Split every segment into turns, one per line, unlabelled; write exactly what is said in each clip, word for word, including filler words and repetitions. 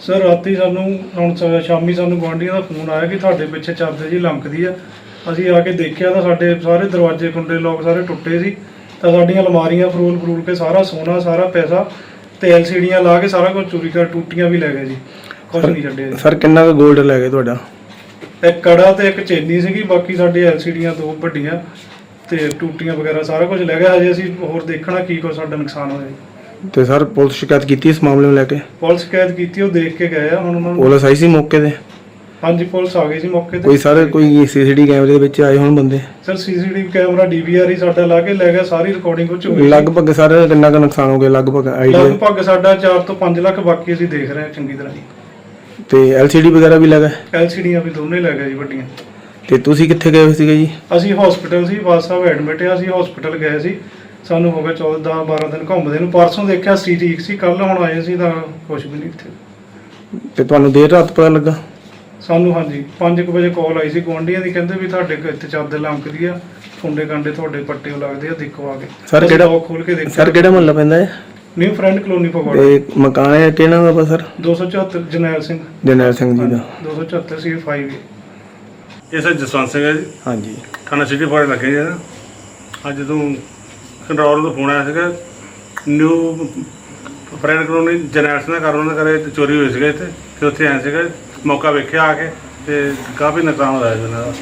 Sir ਰਾਤੀ ਸਾਨੂੰ ਹੁਣ ਸ- ਸ਼ਾਮੀ ਸਾਨੂੰ ਗੁਆਂਢੀਆਂ ਦਾ ਫੋਨ ਆਇਆ ਕਿ ਤੁਹਾਡੇ ਪਿੱਛੇ ਚਾਦਰ ਜੀ ਲੰਕਦੀ ਆ। ਅਸੀਂ ਆ ਕੇ ਦੇਖਿਆ ਤਾਂ ਸਾਡੇ ਸਾਰੇ ਦਰਵਾਜ਼ੇ ਕੁੰਡੇ ਲੋਕ ਸਾਰੇ ਟੁੱਟੇ ਸੀ। ਤਾਂ ਸਾਡੀਆਂ ਅਲਮਾਰੀਆਂ ਫਰੂਲ ਫਰੂਲ ਕੇ ਸਾਰਾ ਸੋਨਾ ਸਾਰਾ ਪੈਸਾ ਤੇ ਐਲ ਸੀ ਡੀਆਂ ਲਾ ਕੇ ਸਾਰਾ ਕੁਝ ਚੋਰੀ ਕਰ, ਟੂਟੀਆਂ ਵੀ ਲੈ ਗਏ ਜੀ, ਕੁਝ ਨਹੀਂ ਛੱਡਿਆ ਜੀ।
ਸਰ ਕਿੰਨਾ ਕੁ ਗੋਲਡ ਲੈ ਗਏ ਤੁਹਾਡਾ?
ਇੱਕ ਕੜਾ ਤੇ ਇੱਕ ਚੇਨੀ ਸੀਗੀ, ਬਾਕੀ ਸਾਡੇ ਐਲ ਸੀ ਡੀਆਂ ਦੋ ਵੱਡੀਆਂ ਤੇ ਟੂਟੀਆਂ ਵਗੈਰਾ ਸਾਰਾ ਕੁਝ ਲੈ ਗਿਆ। ਹਜੇ ਅਸੀਂ ਹੋਰ ਦੇਖਣਾ ਕੀ ਕੁਛ ਸਾਡਾ ਨੁਕਸਾਨ ਹੋਇਆ ਜੀ।
ਤੇ ਸਰ ਪੁਲਿਸ ਸ਼ਿਕਾਇਤ ਕੀਤੀ ਇਸ ਮਾਮਲੇ ਨੂੰ ਲੈ ਕੇ?
ਪੁਲਿਸ ਸ਼ਿਕਾਇਤ ਕੀਤੀ, ਉਹ ਦੇਖ ਕੇ ਗਏ ਆ ਹੁਣ ਉਹਨਾਂ ਨੂੰ।
ਪੁਲਿਸ ਆਈ ਸੀ ਮੌਕੇ ਤੇ?
ਹਾਂਜੀ ਪੁਲਿਸ ਆ ਗਈ ਸੀ ਮੌਕੇ ਤੇ।
ਕੋਈ ਸਰ ਕੋਈ ਸੀਸੀਟੀ ਕੈਮਰੇ ਦੇ ਵਿੱਚ ਆਏ ਹੋਣ ਬੰਦੇ?
Sir CCTV camera D V R ਹੀ ਸਾਡਾ ਲਾ ਕੇ ਲੈ ਗਿਆ, ਸਾਰੀ ਰਿਕਾਰਡਿੰਗ ਉਹ 'ਚ ਹੋਈ ਸੀ।
ਲਗਭਗ ਸਰ ਕਿੰਨਾ ਕੁ ਨੁਕਸਾਨ ਹੋ ਗਿਆ ਲਗਭਗ ਆਈਡੀਆ?
ਲਗਭਗ ਸਾਡਾ ਚਾਰ ਤੋਂ ਪੰਜ ਲੱਖ, ਬਾਕੀ ਅਸੀਂ ਦੇਖ ਰਹੇ ਹਾਂ ਚੰਗੀ ਤਰ੍ਹਾਂ ਜੀ।
ਤੇ ਐਲ ਸੀ ਡੀ ਵਗੈਰਾ ਵੀ ਲੱਗਾ?
ਐਲ ਸੀ ਡੀਆਂ ਵੀ ਦੋਨੇ ਲੈ ਗਏ ਜੀ ਵੱਡੀਆਂ।
ਤੇ ਤੁਸੀਂ ਕਿੱਥੇ ਗਏ ਹੋਏ ਸੀਗੇ ਜੀ?
ਅਸੀਂ ਹਸਪੀਟਲ ਸੀ, ਬਾਦ ਸਾਹਿਬ ਐਡਮਿਟ ਆ, ਅਸੀਂ ਹਸਪੀਟਲ ਗਏ ਸੀ। ਸਾਨੂੰ ਹੋ ਗਿਆ ਚੌਦਾਂ ਬਾਰਾਂ ਦਿਨ ਘੁੰਮਦੇ ਨੂੰ। ਪਰਸੋਂ ਦੇਖਿਆ ਸੀ ਠੀਕ ਸੀ, ਕੱਲ ਹੁਣ ਆਏ ਸੀ ਤਾਂ ਕੁਛ ਵੀ ਨਹੀਂ ਇੱਥੇ।
ਤੇ ਤੁਹਾਨੂੰ ਦੇਰ ਰਾਤ ਪਤਾ ਲੱਗਾ?
ਸਾਨੂੰ ਹਾਂਜੀ ਪੰਜ ਕੁ ਵਜੇ ਕਾਲ ਆਈ ਸੀ ਗੁਆਂਢੀਆਂ ਦੀ, ਕਹਿੰਦੇ ਵੀ ਤੁਹਾਡੇ ਘਰ ਇੱਥੇ ਚਾਦਰ ਲੰਕਦੀ ਆ, ਫੁੰਡੇ ਕਾਂਡੇ ਤੁਹਾਡੇ ਪੱਟੇ ਲੱਗਦੇ ਆ, ਦੇਖੋ ਆ ਕੇ।
ਸਰ ਕਿਹੜਾ
ਖੋਲ ਕੇ ਦੇਖਿਆ।
ਸਰ ਕਿਹੜਾ ਮੁਹੱਲਾ ਪੈਂਦਾ ਹੈ?
ਨਿਊ ਫਰੈਂਡ ਕਲੋਨੀ ਪਵਾੜਾ।
ਤੇ ਮਕਾਨ ਹੈ ਕਿਹਨਾਂ ਦਾ ਵਾ ਸਰ?
ਦੋ ਸੌ ਚੁਹੱਤਰ ਜਰਨੈਲ ਸਿੰਘ।
ਜਰਨੈਲ ਸਿੰਘ ਜੀ ਦਾ।
ਦੋ ਸੌ ਚੁਹੱਤਰ ਸੀ ਫਾਈਵ।
ਇਹ ਸਰ ਜਸਵੰਤ ਸਿੰਘ ਹੈ ਜੀ,
ਹਾਂਜੀ।
ਥਾਣਾ ਸਿਟੀ ਫਾੜੇ ਲੱਗੇ ਜੀ। ਅੱਜ ਜਦੋਂ ਕੰਟਰੋਲ ਤੋਂ ਫੋਨ ਆਇਆ ਸੀਗਾ, new friend colony Jarnail Singh ਦਾ ਘਰ, ਉਹਨਾਂ ਦੇ ਘਰੇ ਚੋਰੀ ਹੋਈ ਸੀਗਾ ਇੱਥੇ, ਤੇ ਉੱਥੇ ਆਏ ਸੀਗਾ, ਮੌਕਾ ਵੇਖਿਆ ਆ ਕੇ ਤੇ ਕਾਫੀ ਨੁਕਸਾਨ ਹੋਇਆ ਜੀ ਉਹਨਾਂ ਦਾ।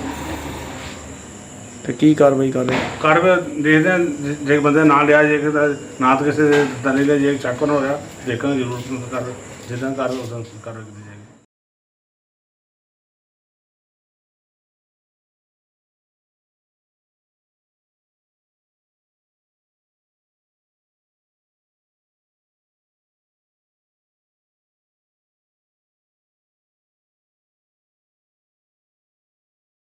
ਤੇ ਕੀ ਕਾਰਵਾਈ ਕਰ ਰਹੇ?
ਕਾਰਵਾਈ ਦੇਖਦੇ ਹਾਂ, ਜੇ- ਜੇ ਬੰਦੇ ਨਾਲ ਲਿਆ ਜੇ ਤਾਂ ਨਾ ਤਾਂ ਕਿਸੇ ਦੇ ਦਲੇ ਦਾ ਜੇ ਚੱਕ ਨਾ ਹੋ ਰਿਹਾ, ਦੇਖਾਂਗੇ ਜ਼ਰੂਰ ਕਰ ਜਿੱਦਾਂ ਕਰ ਉਦਾਂ ਕਾਰਵਾਈ ਕੀਤੀ ਜਾਏਗੀ।